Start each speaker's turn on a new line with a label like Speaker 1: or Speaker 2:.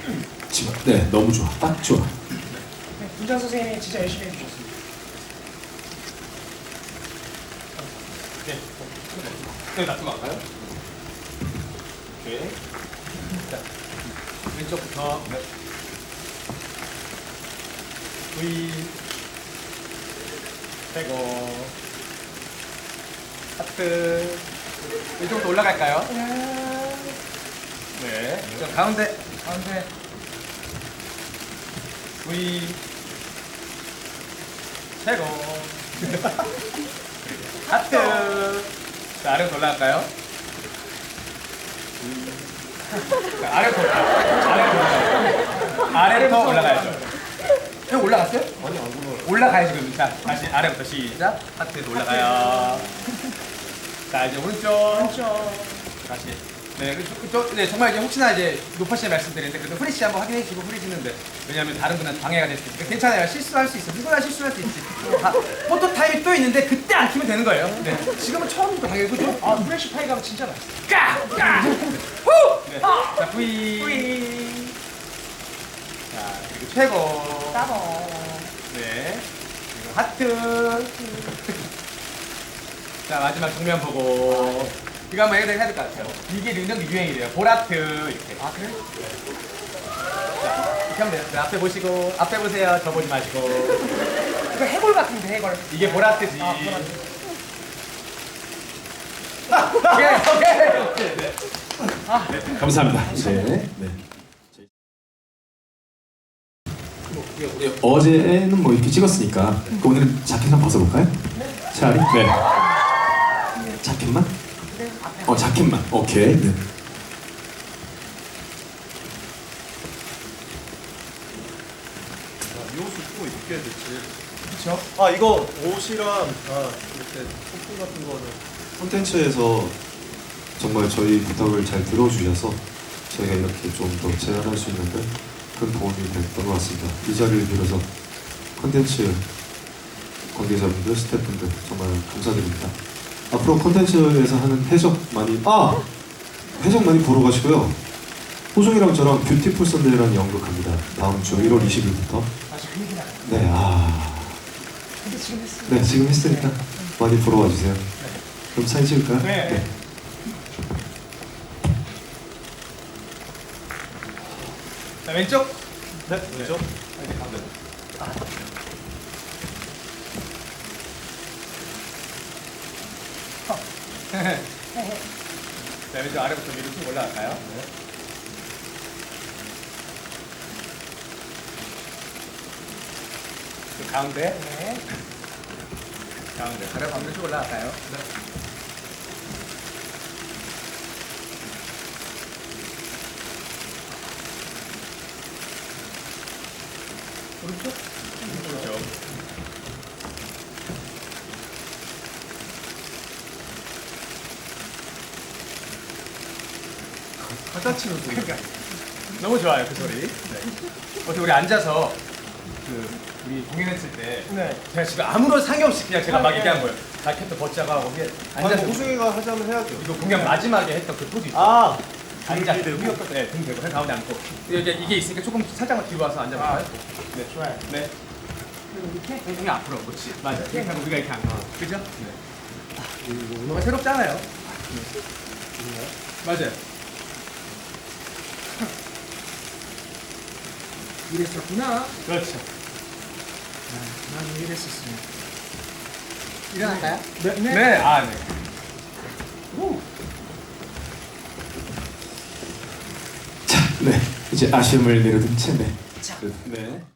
Speaker 1: 지금 네, 너무 좋아. 딱 좋아.
Speaker 2: 네, 분장 선생님이 진짜 열심히 해주셨습니다.
Speaker 3: 네. 네, 놔두고 갈까요? 오케이. 자, 왼쪽부터. 네. V. 빼고. 하트. 이쪽부터 올라갈까요? 네. 저 가운데. 가운데. V. 최고. 하트. 자, 아래로 올라갈까요? 자, 아래로 올라가요. 아래로 더 올라가야죠. 형 올라갔어요? 아니, 안 올라가요. 올라가요, 지금. 자, 다시 아래부터 시작. 하트에서 올라가요. 자, 이제 오른쪽. 다시. 네, 네, 정말 이제 혹시나 이제 높아시는 말씀드리는데 그래도 후리시 한번 확인해 주시고 후리시는데 왜냐하면 다른 분한테 방해가 될 수 있으니까 괜찮아요. 실수할 수 있어. 누구나 실수할 수 있지. 포토 타임이 또 있는데 그때 안 키면 되는 거예요. 네. 지금은 처음부터 방해 그죠?
Speaker 2: 아, 프레쉬 파이 가면 진짜 맛있어.
Speaker 3: 까! 후! 네. 자, V. 자, 그리고 최고.
Speaker 2: 따봉.
Speaker 3: 네. 그리고 하트. 자, 마지막 정면 보고. 이거 한번 해야 될 것 같아요. 이게 능력 유행이래요. 보라트 이렇게.
Speaker 2: 아, 그래?
Speaker 3: 자, 이렇게 하면 돼요. 네, 앞에 보시고, 앞에 보세요. 저 보지 마시고.
Speaker 2: 이거 해골 같은데, 해골.
Speaker 3: 이게 보라트지.
Speaker 2: 아, 보라트.
Speaker 3: 오케이. 네.
Speaker 1: 감사합니다. 이제 네. 우리 어제는 뭐 이렇게 찍었으니까 오늘은 자켓 한번 벗어볼까요? 차라리? 네. 자켓만? 자켓만. 오케이. 네.
Speaker 4: 이 옷을 또 입게 됐지.
Speaker 3: 그쵸?
Speaker 4: 아 이거 옷이랑 이렇게 소품 같은 거는
Speaker 5: 콘텐츠에서 정말 저희 부탁을 잘 들어주셔서 저희가 이렇게 좀 더 제안할 수 있는데 큰 도움이 됐던 것 같습니다. 이 자리를 빌어서 콘텐츠 관계자분들, 스태프분들 정말 감사드립니다. 앞으로 콘텐츠에서 하는 해적 많이 보러 가시고요. 호중이랑 저랑 뷰티풀 선데이라는 연극합니다. 다음 주 1월 20일부터.
Speaker 2: 맞아, 그 얘기 나.
Speaker 5: 네,
Speaker 2: 근데 지금 했어.
Speaker 5: 네 지금 했으니까 많이 보러 와주세요. 그럼 사진 찍을까요?
Speaker 3: 네. 자, 왼쪽.
Speaker 4: 네, 왼쪽.
Speaker 3: 이제 가운데. 자, 왼쪽 아래부터 위로 쭉 올라갈까요? 네. 그 가운데.
Speaker 2: 네.
Speaker 3: 가운데. 가운데 쭉 올라갈까요? 네. 오른쪽? 오른쪽.
Speaker 4: 갖다 치는 소리.
Speaker 3: 그러니까 너무 좋아요 그 소리. 네. 어떻게 우리 앉아서 우리 공연했을 때
Speaker 2: 네.
Speaker 3: 제가 지금 아무런 상의 없이 그냥 제가 막 얘기한 거예요. 자켓도 벗자고 하고 거기에 앉아서
Speaker 4: 아니 호중이가 하자면 해야죠.
Speaker 3: 이거 공연 마지막에 했던 그 포즈 있죠.
Speaker 4: 아
Speaker 3: 앉아
Speaker 4: 등이
Speaker 3: 등
Speaker 4: 대고?
Speaker 3: 네, 등 대고 가운데 앉고 이게 있으니까 조금 살짝만 뒤로 와서 앉아볼까요? 네.
Speaker 2: 좋아요.
Speaker 3: 네.
Speaker 2: 그리고 이렇게.
Speaker 3: 등이 앞으로 그렇지. 맞아. 이렇게 하고 우리가 이렇게 앉아. 그죠? 네. 뭔가 새롭잖아요. 맞아요.
Speaker 2: 이랬었구나.
Speaker 3: 그렇죠.
Speaker 2: 나도 이랬었으면.
Speaker 3: 일어날까요?
Speaker 2: 네.
Speaker 3: 네. 아, 네.
Speaker 1: 자, 네. 이제 아쉬움을 내려둔 채 네.
Speaker 2: 자.
Speaker 1: 네.